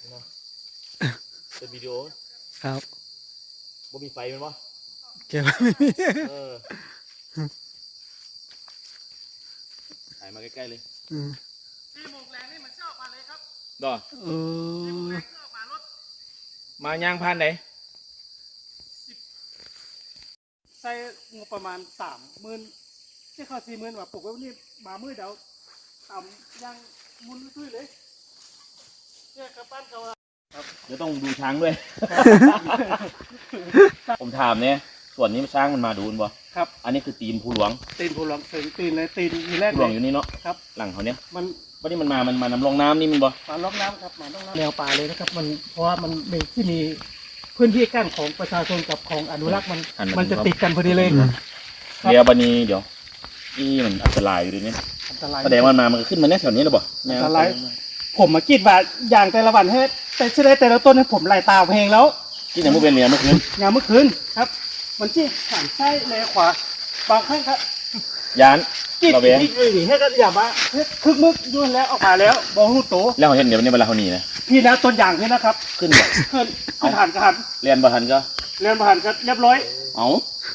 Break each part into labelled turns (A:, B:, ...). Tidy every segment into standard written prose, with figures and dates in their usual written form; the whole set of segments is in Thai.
A: เป็นวิดีโอ
B: ครับ
A: บ่มีไฟมันวะ
B: เก็บไม่มี
A: ถ่ายมาใกล้ๆเลย
C: 4 โมงแรงนี่มันเจ้ามาเลยครับ
A: ดอ
C: 4 โมงแรงก็มารถ
A: มาย่างพันไหน
C: ใช้งบประมาณ30,000ที่เขา40,000ว่าปลูกไว้นี่มามือเดียวต่ำยังมุนตุ้ยเลยเนี่ยกระปั้นเขา
A: เดี๋ยวต้องดูช้างด้วย ผมถามเนี่ยส่วนนี้ช้างมันมาดูนบ่
C: ครับ
A: อันนี้คือตีนภูหลวง
C: ตีนภูหลวงตีนเลยตีนมีแรก
A: ภูหลวงอยู่นี่เนาะ
C: ครับ
A: หลังเขาเนี้ย
C: มัน
A: วันนี้มันมานำลงน้ำนี่มันบ่
C: มาล็อกน้ำครับมาล็อกน้ำแนวป่าเลยนะครับมันเพราะว่ามันเป็นที่มีพื้นที่กั้นของประชาชนกับของอนุรักษ์มันจะติดกันพอดีเลย
A: เดี๋ยวบันนี้เดี๋ยวนี่มันอันตรายอยู่ดิเนี่ย
C: อันตราย
A: แสดงว่ามันขึ้นมาแน่แถวนี้หรือเปล่า
C: อันตรายผมมาคิดว่าอย่างแต่ละวันให้แต่ชื่อได้แต่ละต้นให้ผมไล่ตามเพลงแล้ว
A: ที่ไหนเมื่อเป็นเรียนเมื่อคืน
C: อย่างเมื่อคืนครับมันที่หันซ้ายแลขวาบางครั้งครับ
A: ยาน
C: กินอีกเลยให้ก็อย่ามาคึกมึกยุ่นแล้วออกมาแล้วบอหูโต
A: แล้วเห็นเดี๋ยวนี้เวลาเขาหนีนะ
C: พี่นะต้นอย่างนี่นะครับ
A: ขึ้นบ่
C: ขึ้นหันก็หัน
A: เรียนบ่หันก็
C: เรียนบ่หันก็เรียบร้อย
A: เอา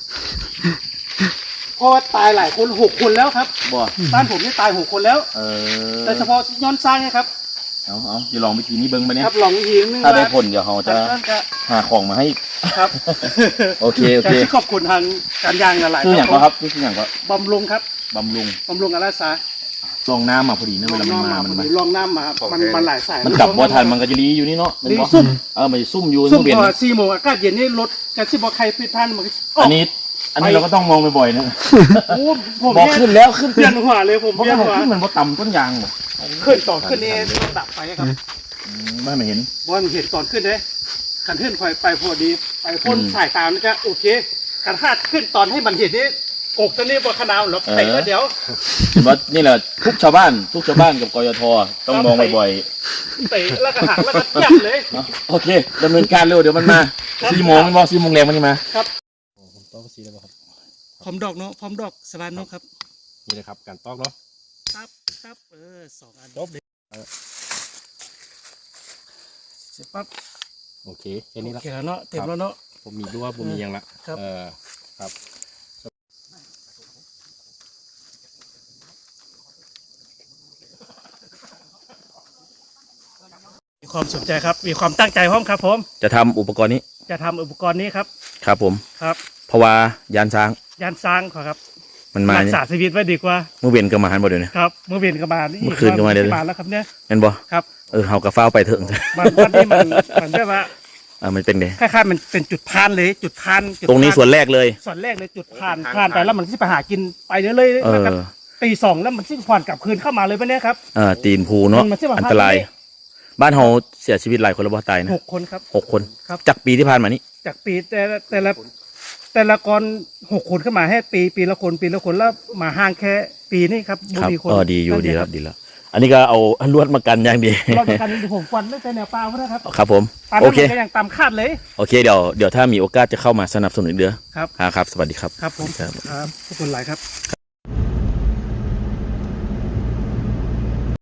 C: เพราะว่าตายหลายคน6 คนแล้วครับ
A: บ่
C: บ้านผมนี่ตาย6 คนแล้วแต่เฉพาะย้อนสร้างนะครับ
A: เอาจะลองวิธีนี้เบิ้งไปเนี่ย
C: ครับลองวิธีนึง
A: ถ้าได้ผลเดี๋ยวเขาจะหาของมาให้
C: ครับ
A: โอเค
C: ขอบคุณทางการยางหลาย
A: ๆคืออย่างก็ครับคืออย่างก็
C: บำรุงครับ
A: บำรุง
C: อาราษา
A: ลองน้ำมาพอดีนะเวลามันมา
C: ลองน้ำมามันหลายสาย
A: มันกลับบ่ทันมันก็จะรีอยู่นี่เนาะ
C: รีซุ่ม
A: มันจะซุ่มอยู่
C: ซุ่มพอ4 โมงอากาศเย็นนี่รถกันที่บ่ใครปิดพันมัน
A: อันนี้เราก็ต้องมองบ่อยๆนะ
C: โอ้ผม
A: บอกขึ้นแล้วขึ้น
C: เปลี่ยนหัวเลยผมเปลี่ยนหัว
A: ขึ้นมันบ่ต่ำต้นยางบ่
C: ขึ้นตอนขึ้นนี่ต้องดับไฟครับ
A: ไม่เห็น
C: เห็นตอนขึ้นเลยขันขึ้นไปพอดีไปพ่นสายตามนี่ก็โอเคขันหาดขึ้นตอนให้มันเห็นนี่กกตัวนี้บนขนาดหรอกแต่เดี๋ยว
A: ว่านี่แหละทุกชาวบ้านกับกยทต้องมองบ่อย
C: ๆเตะแล้วก็หักแล้วก็จับเลย
A: โอเคดำเนินการเร็วเดี๋ยวมันมา4 โมงมันบอก4 โมงแรงมันมา
C: ครับผมตอกสีแล้วครับพร้อมดอกเนาะพร้อมดอกสบายเนาะครับ
B: นี่เลยครับการตอกเนาะ
C: ครับ2 อันจบเลยเสร็จปั๊บ
B: โอเคแค่นี้ละ
C: โอเคแล้วเนาะเต็มแล้วเนาะ
B: ผมมีด้วยผมมียังละครับ
C: มีความสนใจครับมีความตั้งใจพร้อมครับผม
A: จะทำอุปกรณ์นี้
C: ครับ
A: ครับผม
C: ครับ
A: เพราะว่ายานช้าง
C: ครับ
A: มันมา
C: รักษาชีวิตไว้ดีกว่า
A: เมื่อเวียนก็มาหันบ่เดี๋ยวนี้
C: ครับเมื่อเวียนก็มา
A: เมื่อคืนก็มาเดี๋ยวนี้
C: แล้วครับเนี่ย
A: เห็นบ่
C: ครับ
A: เฮากระเฝ้าไปเถอะ
C: วันนี้มันได้ว่า
A: มันเป็นไง
C: คล้ายๆมันเป็นจุดพานเลยจุดพาน
A: ตรงนี้ส่วนแรกเลย
C: จุดพานไปแล้วมันที่ไปหากินไปเรื่อยๆครับตี 2แล้วมันที่ผ่อนกลับคืนเข้ามาเลยปะเนี่ยครับ
A: ตีนภูเนาะอันตรายบ้านเฮาเสียชีวิตหลายคนแล้วบ่ตายนะ
C: 6 คนครับ
A: 6 คนจากปีที่ผ่านมานี้
C: จากปีแต่ละกร6 คนเข้ามาให้ปีละคนแล้วมาห่างแค่ปีนี้ครับ
A: มีคนดีอยู่ดีครับดีแล้วอันนี้ก็เอาลวดมากันอย่างดี
C: ลวดมากันผมฟันไม่ใช่แนวปลานะครับ
A: ครับผม
C: โอเคก็ยังตามคาดเลย
A: โอเคเดี๋ยวถ้ามีโอกาสจะเข้ามาสนับสนุนเดือ
C: ครับ
A: ครับสวัสดีครับ
C: ครับผมครับขอบคุณหลายครับ